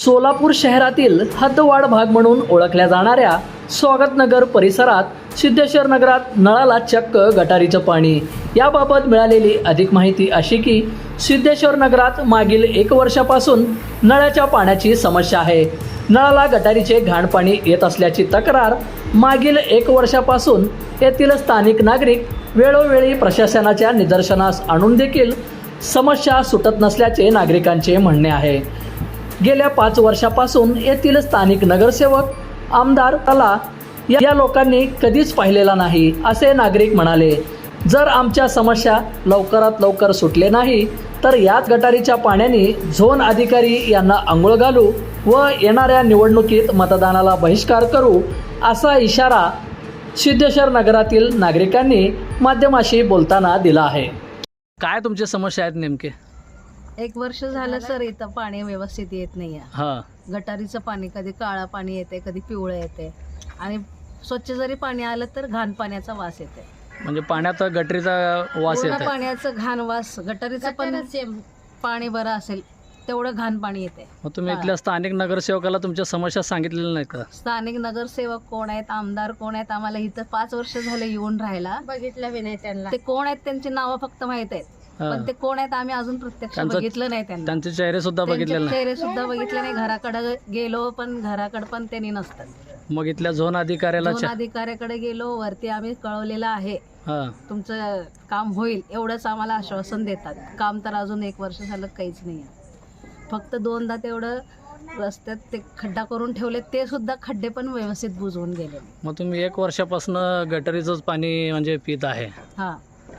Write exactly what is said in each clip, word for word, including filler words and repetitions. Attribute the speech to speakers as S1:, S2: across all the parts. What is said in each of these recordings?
S1: सोलापूर शहरातील हद्दवाढ भाग म्हणून ओळखल्या जाणाऱ्या स्वागतनगर परिसरात सिद्धेश्वर नगरात नळाला चक्क गटारीचं पाणी। याबाबत मिळालेली अधिक माहिती अशी की सिद्धेश्वर नगरात मागील एक वर्षापासून नळाच्या पाण्याची समस्या आहे। नळाला गटारीचे घाण पाणी येत असल्याची तक्रार मागील एक वर्षापासून येथील स्थानिक नागरिक वेळोवेळी प्रशासनाच्या निदर्शनास आणून देखील समस्या सुटत नसल्याचे नागरिकांचे म्हणणे आहे। गेल्या पाच वर्षापासून येथील स्थानिक नगरसेवक आमदार तला या लोकांनी कधीच पाहिलेला नाही असे नागरिक म्हणाले। जर आमच्या समस्या लवकरात लवकर सुटले नाही तर याच गटारीच्या पाण्याने झोन अधिकारी यांना आंघोळ घालू व येणाऱ्या निवडणुकीत मतदानाला बहिष्कार करू असा इशारा सिद्धेश्वर नगरातील नागरिकांनी माध्यमाशी बोलताना दिला आहे। काय तुमच्या समस्या आहेत नेमके?
S2: एक वर्ष झालं सर, इथं पाणी व्यवस्थित येत नाही आहे।
S1: हां,
S2: गटारीचं पाणी कधी काळा पाणी येते, कधी पिवळं येते आणि स्वच्छ जरी पाणी आलं तर घाण पाण्याचा वास येते।
S1: म्हणजे पाण्यात गटरीचा वास
S2: पूर्ण
S1: येतो।
S2: पाण्याचं घाण वास, गटारीचं पण पाणी बरं असेल तेवढं घाण पाणी येते।
S1: मग तुम्ही इथल्या स्थानिक नगरसेवकाला तुमच्या समस्या सांगितलेल्या नाहीत का?
S2: स्थानिक नगरसेवक कोण आहेत, आमदार कोण आहेत, आम्हाला इथं पाच वर्ष झाले येऊन राहायला,
S3: बघितलं बी नाही त्यांना।
S2: ते कोण आहेत त्यांची नावं फक्त माहित आहेत, पण ते कोण आहेत आम्ही अजून प्रत्यक्ष
S1: त्यांचं-
S2: बघितलं नाही त्यांना।
S1: त्यांचे चेहरे सुद्धा बघितलेले
S2: त्यांचे
S1: नाही।
S2: चेहरे सुद्धा बघितले नाही। घराकडे गेलो पण घराकडे पण त्यांनी नसतात।
S1: मग इथल्या झोन अधिकाऱ्याला
S2: झोन
S1: चा-
S2: अधिकाऱ्याकडे गेलो, वरती आम्ही कळवलेलं आहे
S1: हां,
S2: तुमचं काम होईल एवढंच आम्हाला आश्वासन देतात। काम तर अजून एक वर्ष झालं काहीच नाही आहे। फक्त दोनदा तेवढं रस्त्यात ते खड्डा करून ठेवले, ते सुद्धा खड्डे पण व्यवस्थित बुजवून गेले।
S1: मग तुम्ही एक वर्षापासून गटरीचंच पाणी म्हणजे पित आहे।
S2: हा,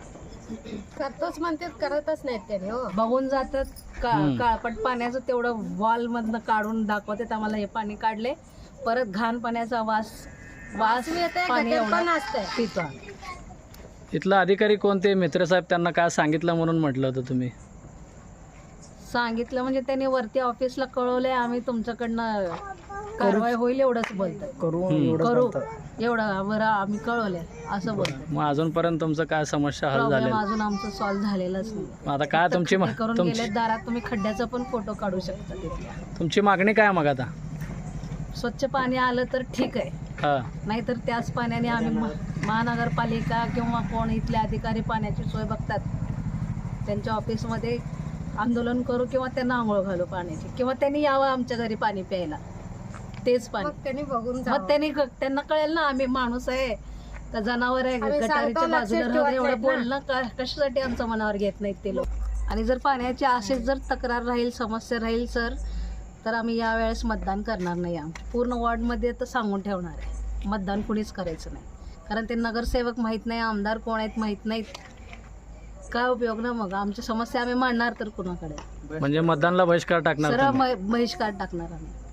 S3: करतोच म्हणतात, करतच नाहीत त्याने हो।
S2: बघून जातात का
S1: हम्म.
S2: काळपट पाण्याचं तेवढं वॉल मधनं काढून दाखवतात आम्हाला, हे पाणी काढले, परत घाण पाण्याचा वास वास पाणी
S3: गटर पण
S2: एवढं
S3: असतंय।
S2: पितो आम्ही।
S1: इथला अधिकारी कोणते मित्र साहेब त्यांना काय सांगितलं म्हणून म्हटलं होतं तुम्ही?
S2: सांगितलं म्हणजे त्यांनी वरती ऑफिसला कळवलंय, आम्ही तुमच्याकडनं कारवाई होईल एवढंच बोलतात।
S1: हम्म.
S2: करू एवढं बरं आम्ही कळवलंय असं बोलतात।
S1: मग अजूनपर्यंत तुमचं काय समस्या हल
S2: प्रॉब्लेम
S1: झाले?
S2: अजून आमचं सॉल्व्ह झालेलंच नाही।
S1: मग आता काय तुमची मा-
S2: खड्डे करून
S1: तुमची
S2: गेले दारात, तुम्ही खड्ड्याचा पण फोटो काढू शकता तिथल्या।
S1: तुमची मागणी काय मग आता?
S2: स्वच्छ पाणी आलं तर ठीक आहे,
S1: हां,
S2: नाहीतर त्याच पाण्याने आम्ही महा- महानगरपालिका किंवा कोण इथले अधिकारी पाण्याची सोय बघतात त्यांच्या ऑफिसमध्ये आंदोलन करू किंवा त्यांना आंघोळ घालू पाण्याची, किंवा त्यांनी यावं आमच्या घरी पाणी प्यायला तेच पाणी।
S3: मग त्यांनी बघून
S2: मग
S3: जावं।
S2: त्यांनी त्यांना कळेल ना आम्ही माणूस आहे का जनावर आहे,
S3: आम्ही
S2: गटारीच्या
S3: सांगतो, लक्षात
S2: बाजूला राहून
S3: ठेवत
S2: एवढं
S3: नाहीत ना.
S2: बोलणं का- कशासाठी आमच्या मनावर घेत नाहीत ते लोक। आणि जर पाण्याची अशीच जर तक्रार राहील, समस्या राहील सर, तर आम्ही यावेळेस मतदान करणार नाही। आम्ही पूर्ण वॉर्डमध्ये तर सांगून ठेवणार आहे, मतदान कुणीच करायचं नाही, कारण ते नगरसेवक माहीत नाही, आमदार कोण आहेत माहीत नाहीत, काय उपयोग ना। मग आमची समस्या आम्ही मांडणार तर कुणाकडे?
S1: म्हणजे मतदानला बहिष्कार टाकणार
S2: सरळ
S1: तुम्ही?
S2: बहिष्कार टाकणार आम्ही।